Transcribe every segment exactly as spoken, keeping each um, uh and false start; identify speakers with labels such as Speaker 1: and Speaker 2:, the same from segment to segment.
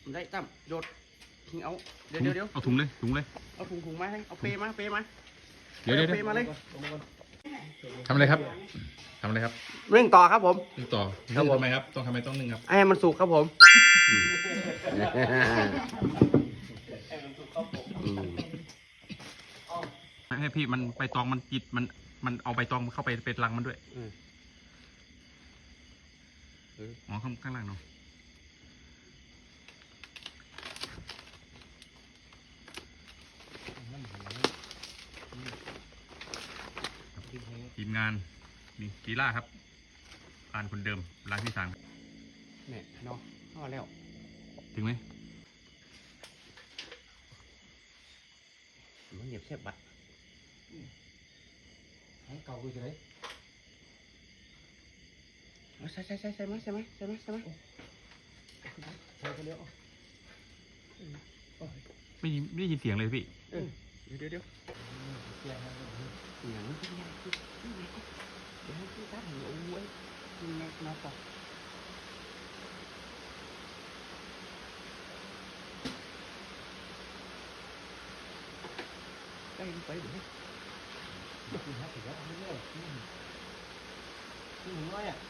Speaker 1: ได้ตั้มโยดทิ้งเอาเดี๋ยวเดี๋ยวเดี๋ยว
Speaker 2: เอาถุงเลยถุงเลย
Speaker 1: เอาถุงถุงมาให้เอาเปมาเปมา
Speaker 2: เดี๋ยวเดี๋ยว
Speaker 1: เปมาเลย
Speaker 2: ทำอะไรครับทำอะไรครับ
Speaker 1: เรื่องต่อครับผม
Speaker 2: นึ่งต่อ
Speaker 1: ครับผม
Speaker 2: ทำไมครับต้องทำไมต้องนึ่งครับ
Speaker 1: ให้มันสุกครับผม
Speaker 2: ให้พี่มันใบตองมันจิตมันมันเอาใบตองเข้าไปเป็นรังมันด้วยอ๋อข้างข้างล่างเนาะทีมงานนี่กีฬาครับอ่านคนเดิมร้านที่สาม
Speaker 1: เนี่ยเนาะพอแล้ว
Speaker 2: ถึงไหม
Speaker 1: มันเหยียบเสียบบัตรเก่ากูจะได้ใช่ใช่ใช่ใช่ไหมใช่ไหมใช่ไหมใช่ไหมใช่ก็เลี้ยว
Speaker 2: ไม่ไม่ได้ยินเสียงเลยพี่
Speaker 1: เดี๋ยวเดี๋ยวเดี๋ยวอย่างนี้ที่ไหนที่ที่ไหนเดี๋ยวที่ตัดหัวไว้ที่ไหนมาต่อไปไปเดี๋ยวคุณฮะถึงแล้วไม่ได้ที่ที่หนึ่งร้อยอ่ะ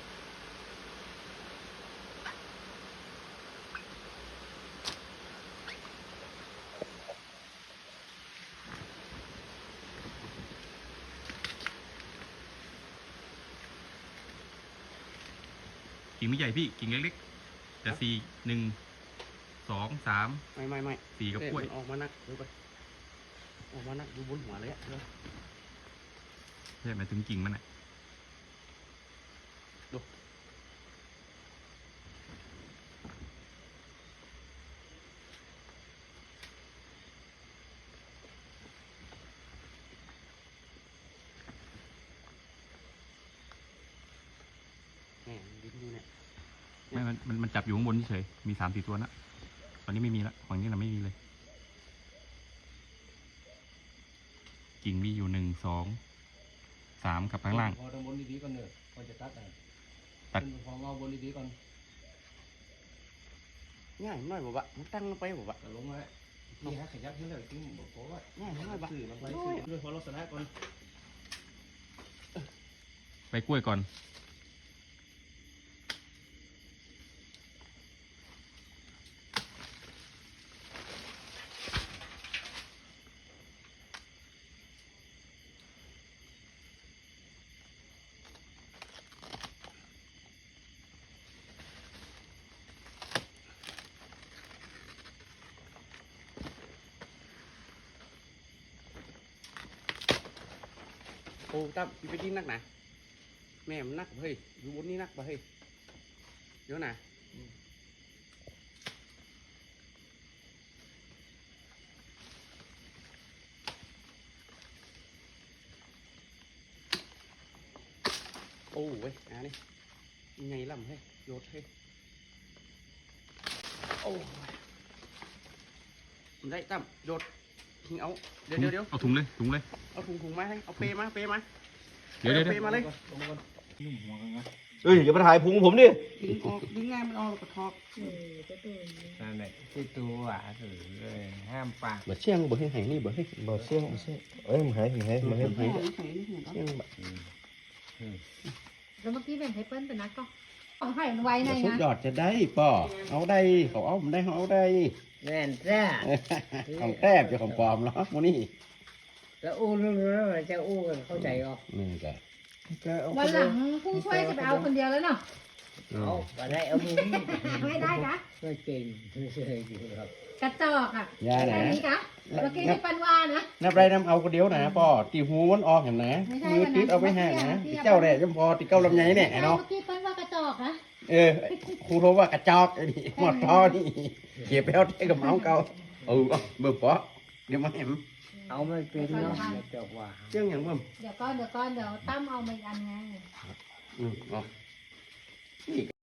Speaker 2: กิ่งไม่ใหญ่พี่กิ่งเล็กๆแต่สี่หนึ่งสองสาม
Speaker 1: ไม่ไม่ไม่
Speaker 2: สี่กับกล้วย
Speaker 1: ออกมานักดูไปออกมานักดูบนหัวเลยอ่ะ
Speaker 2: ใช่หมายถึงกิ่งมันอ่ะ
Speaker 1: ดูเนี่ยดิ้นอยู่เนี่ย
Speaker 2: ไม่มันมันมันจับอยู่ข้างบนเฉยมีสามสี่ตัวนะตอนนี้ไม่มีละฝั่งนี้เราไม่มีเลยกิ่งมีอยู่หนึ่งสองสามกับข้างล่าง
Speaker 3: พอตรงบนดีๆก่อนเนอะพอจะตัดอ่ะ
Speaker 2: ตัด
Speaker 3: พอเงาบนดีๆก่อน
Speaker 1: ง่ายน้อยบ่บะมันตั้งไปบ่บะ
Speaker 3: แต่ลงมานี่ฮะขยับขึ้นเลยจริงบอกว่า
Speaker 1: ง่ายน้อยบะ
Speaker 3: สื่อลงไปสื่อด้วยพอลักษณะก่อน
Speaker 2: ไปกล้วยก่อน
Speaker 1: โอ้ตั้มไปดิ้นนักนะแม่มันนักเฮ้ยอยู่บนนี้นักบ่เฮ้ยเดี๋ยวนะโอ้เว้ยอ่ะนี่ไงล่ำเฮ้ยโยดเฮ้ยโอ้ได้ตั้มโยดทิ้งเอาเดี๋ยวเดี๋ยวเดี๋ยว
Speaker 2: เอาถุงเลยถุงเลย
Speaker 1: เอาถุงถุงมาให้เอาเปมาเปมา
Speaker 2: เดี๋ยวเดี๋ยว
Speaker 1: เปมาเลย
Speaker 3: เอ้ยอย่ามาถ่ายพุงผมดิ
Speaker 1: ดึงออกดึงง่ายมันออกแล้วก็ทอก
Speaker 3: นั่นแหละที่ตัวอ่ะถือเลยห้ามปาก
Speaker 1: บ่เชี่ยงบ่ให้หายนี่บ่ให้
Speaker 3: บ่เสี่ยงบ่เสี่ยงเอ้ยมันหายมันหายมันหาย
Speaker 1: หายหายนี่เชี่ยงบ่
Speaker 4: แล้วเมื่อกี้แบ่งให้เปิ้ลเป็นนักก็เอาให้มันไว้ใน
Speaker 1: สุด
Speaker 4: นะ
Speaker 1: ยอดจะได้ป่อเอาได้เขาเอาผมได้เขาเอาได้
Speaker 3: แน่นแท้
Speaker 1: ของแทบจะของปลอมเนาะมูนี่
Speaker 3: จะอู้รู้แล้วจะอู้กันเข้าใจก็
Speaker 1: นี่แก
Speaker 4: วันหลังผู้ช่วยจะไปเอาคนเดียวแล้วเนาะ
Speaker 3: เอาไปได้เอามุ้ง
Speaker 4: ไม่ได้กะ
Speaker 3: ไม่เก่งไม่ใช่ครับ
Speaker 4: กระจอกอ่ะ
Speaker 1: ยาไหน
Speaker 4: แค่นี้กะเมื่อกี้ที่ปันว่านะ
Speaker 1: นับไรน้ำเอาคนเดียวนะป่อตีหูมันออกเห็นนะมือติดเอาไปห่างนะติเจ้าแร่จำพอติเก้าลำไยเนี่ยเนาะ
Speaker 4: เมื่อกี้เปิ้ลว่ากระจอกนะ
Speaker 1: เออครูโทรว่ากระจอกไอ้นี่หมดท่อนี่เก็บไปเอาเท่กับเมาเก่าเออเบิ่มป่อเดี๋ยวมาเห็น
Speaker 3: เอาไม่เป็นเนาะจบว่า
Speaker 1: เจ้าอย่างเบิ่ม
Speaker 4: เดี๋ยวก้อนเดี๋ยวก้อนเดี๋ยวตั้มเอามาอีกอันไง
Speaker 1: อืมอ๋อนี่